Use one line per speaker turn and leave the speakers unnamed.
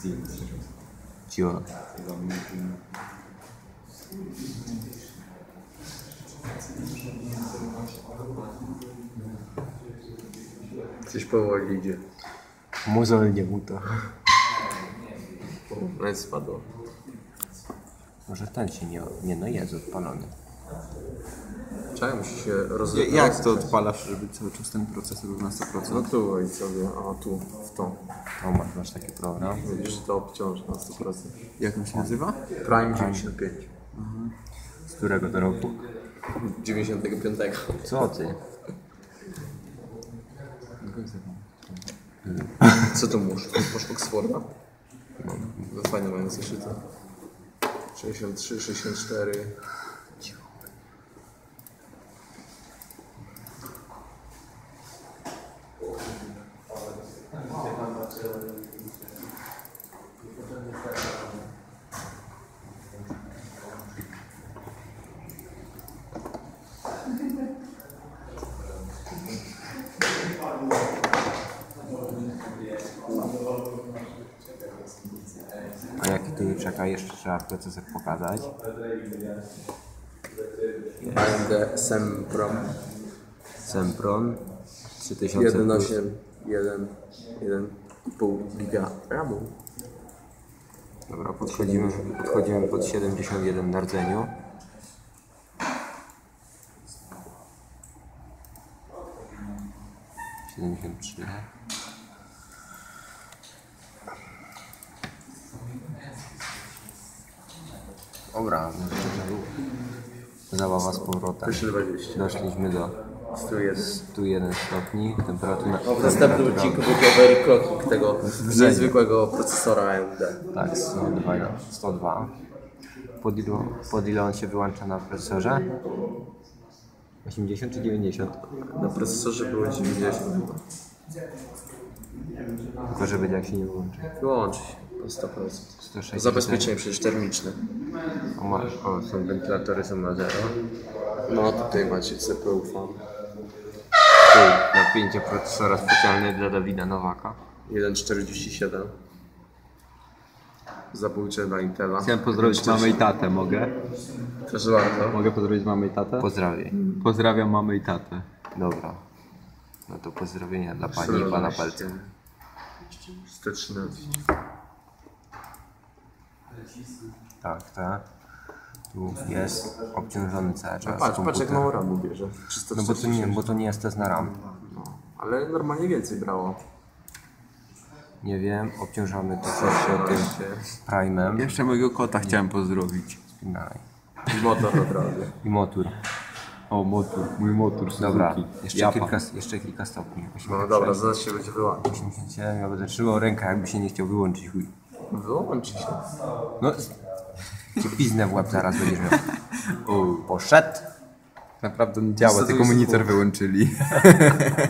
Cicho.
Coś powoli idzie.
Mozolnie mu to.
No i spadło.
Może ten się nie no jest odpalony.
Czemu musi się rozwijać?
Jak to odpalasz, żeby cały czas ten procesor był na 100%?
No tu i sobie, a tu, w to.
O, masz taki program.
Widzisz, że to obciąży na 100%.
Jak on się nazywa?
Prime 95.
Z którego to roku?
95.
Co ty?
Co tu masz? Masz Oxforda? No fajnie mają zeszyty. 63, 64.
A jaki tu czeka? Jeszcze trzeba procesor pokazać.
AMD
Sempron 3000
1.8, 1,5 giga RAMu.
Dobra, podchodzimy pod 71 na rdzeniu. Dobra, zabawa z powrotem.
320.
Doszliśmy do 101 stopni. Temperatura.
No, w następnym odcinku będzie overclocking tego niezwykłego procesora AMD.
Tak, 102. Pod ile on się wyłącza na procesorze? 80 czy 90?
Na procesorze było 90.
Tylko żeby jak się nie wyłączy.
Wyłączy się po 100%.
160.
Zabezpieczenie przecież termiczne.
Są wentylatory, są na 0.
No tutaj macie CPU fan.
Tu napięcie procesora specjalne dla Dawida Nowaka.
1,47. Zabójcze dla Intela.
Chciałem pozdrowić mamę i tatę, mogę?
Proszę bardzo.
Mogę pozdrowić mamę i tatę?
Pozdrawiam.
Pozdrawiam mamę i tatę.
Dobra. No to pozdrowienia dla pani i pana palca.
113.
Tak, tak. Tu jest obciążony cały czas
Patrz jak
komputer.
mało RAMu bierze.
No bo to nie jest test na RAM.
No, ale normalnie więcej brało.
Nie wiem, obciążamy to jeszcze tym Prime'em.
Jeszcze mojego kota chciałem pozdrowić.
Dalej.
I motor od razu.
I motor.
O, motor, mój motor Suzuki.
Dobra, jeszcze
Japa.
kilka stopni.
No dobra, zaraz się będzie wyłączyć.
87, ja będę trzymał rękę, jakby się nie chciał wyłączyć, chuj.
Wyłączy się.
No, ci piznę w łeb zaraz będziesz miał. Poszedł.
Naprawdę nie działa,
Niestety
tylko
jest
monitor
pół.
wyłączyli.